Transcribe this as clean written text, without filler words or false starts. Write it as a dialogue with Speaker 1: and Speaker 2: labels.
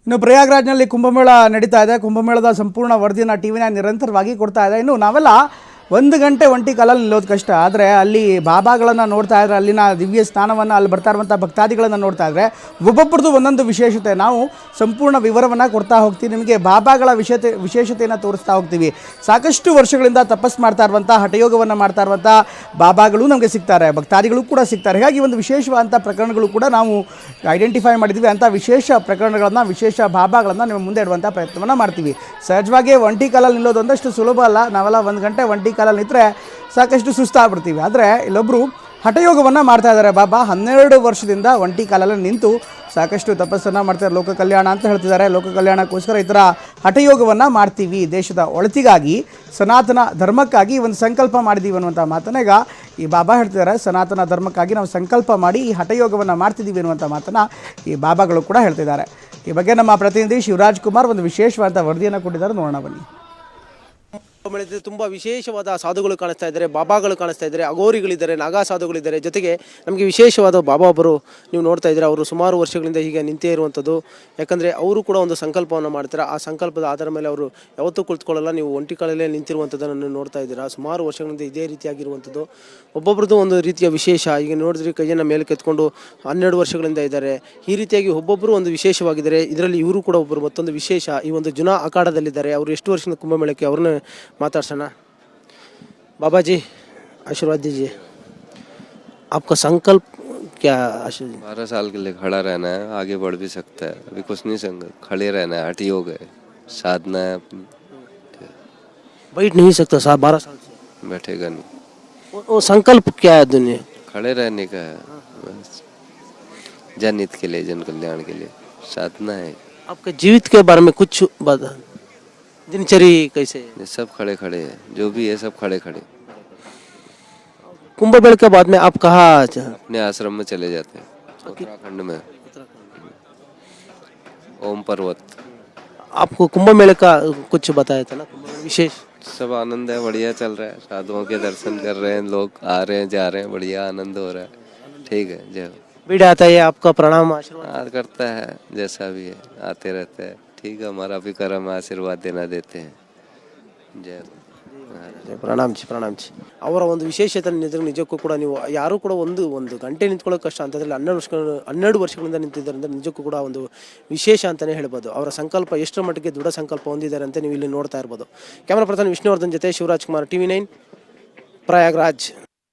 Speaker 1: ಇನ್ನು ಪ್ರಯಾಗ್ರಾಜ್ನಲ್ಲಿ ಕುಂಭಮೇಳ ನಡೀತಾ ಇದೆ. ಕುಂಭಮೇಳದ ಸಂಪೂರ್ಣ ವರದಿಯನ್ನು ಟಿವಿನ ನಿರಂತರವಾಗಿ ಕೊಡ್ತಾ ಇದೆ. ಇನ್ನು ನಾವೆಲ್ಲ 1 ಗಂಟೆ ಒಂಟಿ ಕಾಲಲ್ಲಿ ನಿಲ್ಲೋದು ಕಷ್ಟ. ಆದರೆ ಅಲ್ಲಿ ಬಾಬಾಗಳನ್ನು ನೋಡ್ತಾ ಇದ್ರೆ, ಅಲ್ಲಿನ ದಿವ್ಯ ಸ್ಥಾನವನ್ನು, ಅಲ್ಲಿ ಬರ್ತಾ ಇರುವಂಥ ಭಕ್ತಾದಿಗಳನ್ನು ನೋಡ್ತಾ ಇದ್ರೆ ಒಬ್ಬೊಬ್ಬರದ್ದು ಒಂದೊಂದು ವಿಶೇಷತೆ. ನಾವು ಸಂಪೂರ್ಣ ವಿವರವನ್ನು ಕೊಡ್ತಾ ಹೋಗ್ತೀವಿ. ನಿಮಗೆ ಬಾಬಾಗಳ ವಿಶೇಷತೆಯನ್ನು ತೋರಿಸ್ತಾ ಹೋಗ್ತೀವಿ. ಸಾಕಷ್ಟು ವರ್ಷಗಳಿಂದ ತಪಸ್ ಮಾಡ್ತಾ ಇರುವಂಥ, ಹಠಯೋಗವನ್ನು ಮಾಡ್ತಾ ಇರುವಂಥ ಬಾಬಾಗಳು ನಮಗೆ ಸಿಗ್ತಾರೆ, ಭಕ್ತಾದಿಗಳು ಕೂಡ ಸಿಗ್ತಾರೆ. ಹೀಗಾಗಿ ಒಂದು ವಿಶೇಷವಾದಂಥ ಪ್ರಕರಣಗಳು ಕೂಡ ನಾವು ಐಡೆಂಟಿಫೈ ಮಾಡಿದ್ವಿ. ಅಂಥ ವಿಶೇಷ ಪ್ರಕರಣಗಳನ್ನು, ವಿಶೇಷ ಬಾಬಾಗಳನ್ನು ನಿಮ್ಮ ಮುಂದೆ ಇಡುವಂಥ ಪ್ರಯತ್ನವನ್ನು ಮಾಡ್ತೀವಿ. ಸಹಜವಾಗಿ ಒಂಟಿ ಕಾಲಲ್ಲಿ ನಿಲ್ಲೋದು ಒಂದಷ್ಟು ಸುಲಭ ಅಲ್ಲ. ನಾವೆಲ್ಲ 1 ಗಂಟೆ ಒಂಟಿ ಕಾಲಲ್ಲಿ ನಿಂತರೆ ಸಾಕಷ್ಟು ಸುಸ್ತಾಗ್ಬಿಡ್ತೀವಿ. ಆದರೆ ಇಲ್ಲೊಬ್ಬರು ಹಠಯೋಗವನ್ನು ಮಾಡ್ತಾ ಇದ್ದಾರೆ. ಬಾಬಾ 12 ವರ್ಷದಿಂದ ಒಂಟಿ ಕಾಲಲ್ಲಿ ನಿಂತು ಸಾಕಷ್ಟು ತಪಸ್ಸನ್ನು ಮಾಡ್ತಾರೆ. ಲೋಕ ಕಲ್ಯಾಣ ಅಂತ ಹೇಳ್ತಿದ್ದಾರೆ. ಲೋಕ ಕಲ್ಯಾಣಕ್ಕೋಸ್ಕರ ಈ ಥರ ಹಠಯೋಗವನ್ನು ಮಾಡ್ತೀವಿ, ದೇಶದ ಒಳಿತಿಗಾಗಿ, ಸನಾತನ ಧರ್ಮಕ್ಕಾಗಿ ಒಂದು ಸಂಕಲ್ಪ ಮಾಡಿದ್ದೀವಿ ಅನ್ನುವಂಥ ಮಾತನ್ನ ಈಗ ಈ ಬಾಬಾ ಹೇಳ್ತಿದ್ದಾರೆ. ಸನಾತನ ಧರ್ಮಕ್ಕಾಗಿ ನಾವು ಸಂಕಲ್ಪ ಮಾಡಿ ಈ ಹಠಯೋಗವನ್ನು ಮಾಡ್ತಿದ್ದೀವಿ ಅನ್ನುವಂಥ ಮಾತನ್ನು ಈ ಬಾಬಾಗಳು ಕೂಡ ಹೇಳ್ತಿದ್ದಾರೆ. ಈ ಬಗ್ಗೆ ನಮ್ಮ ಪ್ರತಿನಿಧಿ ಶಿವರಾಜ್ ಕುಮಾರ್ ಒಂದು ವಿಶೇಷವಾದ ವರದಿಯನ್ನು ಕೊಟ್ಟಿದ್ದಾರೆ. ನೋಡೋಣ ಬನ್ನಿ.
Speaker 2: ತುಂಬಾ ವಿಶೇಷವಾದ ಸಾಧುಗಳು ಕಾಣಿಸ್ತಾ ಇದ್ದಾರೆ, ಬಾಬಾಗಳು ಕಾಣಿಸ್ತಾ ಇದ್ದಾರೆ, ಅಗೋರಿಗಳಿದ್ದಾರೆ, ನಾಗಾ ಸಾಧುಗಳಿದ್ದಾರೆ. ಜೊತೆಗೆ ನಮಗೆ ವಿಶೇಷವಾದ ಬಾಬಾ ಒಬ್ಬರು ನೀವು ನೋಡ್ತಾ ಇದ್ದಾರೆ. ಅವರು ಸುಮಾರು ವರ್ಷಗಳಿಂದ ಹೀಗೆ ನಿಂತೇ ಇರುವಂಥದ್ದು. ಯಾಕಂದರೆ ಅವರು ಕೂಡ ಒಂದು ಸಂಕಲ್ಪವನ್ನು ಮಾಡ್ತಾರೆ. ಆ ಸಂಕಲ್ಪದ ಆಧಾರ ಮೇಲೆ ಅವರು ಯಾವತ್ತೂ ಕುಳಿತುಕೊಳ್ಳಲ್ಲ. ನೀವು ಒಂಟಿ ಕಾಲಲ್ಲೇ ನಿಂತಿರುವಂಥದ್ದನ್ನು ನೋಡ್ತಾ ಇದ್ದೀರಾ. ಸುಮಾರು ವರ್ಷಗಳಿಂದ ಇದೇ ರೀತಿಯಾಗಿರುವಂಥದ್ದು. ಒಬ್ಬೊಬ್ರದ್ದು ಒಂದು ರೀತಿಯ ವಿಶೇಷ. ಈಗ ನೋಡಿದ್ರೆ ಕೈಯನ್ನು ಮೇಲೆ ಕೆತ್ಕೊಂಡು 12 ವರ್ಷಗಳಿಂದ ಇದ್ದಾರೆ. ಈ ರೀತಿಯಾಗಿ ಒಬ್ಬೊಬ್ಬರು ಒಂದು ವಿಶೇಷವಾಗಿದ್ದಾರೆ. ಇದರಲ್ಲಿ ಇವರು ಕೂಡ ಒಬ್ಬರು ಮತ್ತೊಂದು ವಿಶೇಷ. ಈ ಒಂದು ಜುನಾ ಅಖಾಡದಲ್ಲಿದ್ದಾರೆ. ಅವರು ಎಷ್ಟು ವರ್ಷದಿಂದ ಕುಂಭಮೇಳಕ್ಕೆ, ಅವ್ರನ್ನ मातार्सना। बाबा जी आशीर्वाद दीजिए। आपका संकल्प क्या?
Speaker 3: 12 साल के लिए खड़ा रहना है, आगे बढ़ भी सकता है। अभी कुछ नहीं, संकल्प खड़े रहना है, हठ योग है, साधना है।
Speaker 2: बैठ नहीं सकता साहब, 12 साल से
Speaker 3: बैठेगा नहीं।
Speaker 2: वो संकल्प क्या है? दुनिया
Speaker 3: खड़े रहने का है, बस जनहित के लिए, जन कल्याण के लिए साधना है।
Speaker 2: आपके जीवित के बारे में कुछ बता। दिनचर्या कैसे?
Speaker 3: सब खड़े खड़े है, जो भी है सब खड़े खड़े।
Speaker 2: कुंभ मेले के बाद में आप कहाँ?
Speaker 3: अपने आश्रम में चले जाते हैं, उत्तराखंड में, ओम पर्वत।
Speaker 2: आपको कुंभ मेले का कुछ बताया था ना, कुंभ मेला विशेष?
Speaker 3: सब आनंद है, बढ़िया चल रहा है। साधुओं के दर्शन कर रहे हैं, लोग आ रहे हैं, जा रहे हैं, बढ़िया आनंद हो रहा है। ठीक है, जय हो।
Speaker 2: भीड़ आता है, आपका प्रणाम आशीर्वाद
Speaker 3: करता है, जैसा भी है आते रहते हैं। ठीक है, हमारा भी कर्म आशीर्वाद देना देते हैं। जय
Speaker 2: ಪ್ರಣಾಮ್ ಜಿ, ಪ್ರಣಾಮ್ ಜಿ. ಅವರ ಒಂದು ವಿಶೇಷತೆ ನಿಜಕ್ಕೂ ಕೂಡ ನೀವು ಯಾರು ಕೂಡ ಒಂದು ಗಂಟೆ ನಿಂತ್ಕೊಳ್ಳೋಕೆ ಕಷ್ಟ ಅಂತಂದ್ರೆ 12 ವರ್ಷಗಳಿಂದ ನಿಂತಿದ್ದಾರೆ ಅಂದರೆ ನಿಜಕ್ಕೂ ಕೂಡ ಒಂದು ವಿಶೇಷ ಅಂತಲೇ ಹೇಳ್ಬೋದು. ಅವರ ಸಂಕಲ್ಪ ಎಷ್ಟರ ಮಟ್ಟಿಗೆ ದೃಢ ಸಂಕಲ್ಪ ಹೊಂದಿದ್ದಾರೆ ಅಂತ ನೀವು ಇಲ್ಲಿ ನೋಡ್ತಾ ಇರ್ಬೋದು. ಕ್ಯಾಮರಾ ಪರ್ಸನ್ ವಿಷ್ಣುವರ್ಧನ್ ಜೊತೆ ಶಿವರಾಜ್ ಕುಮಾರ್, TV9 ಪ್ರಯಾಗ್ರಾಜ್.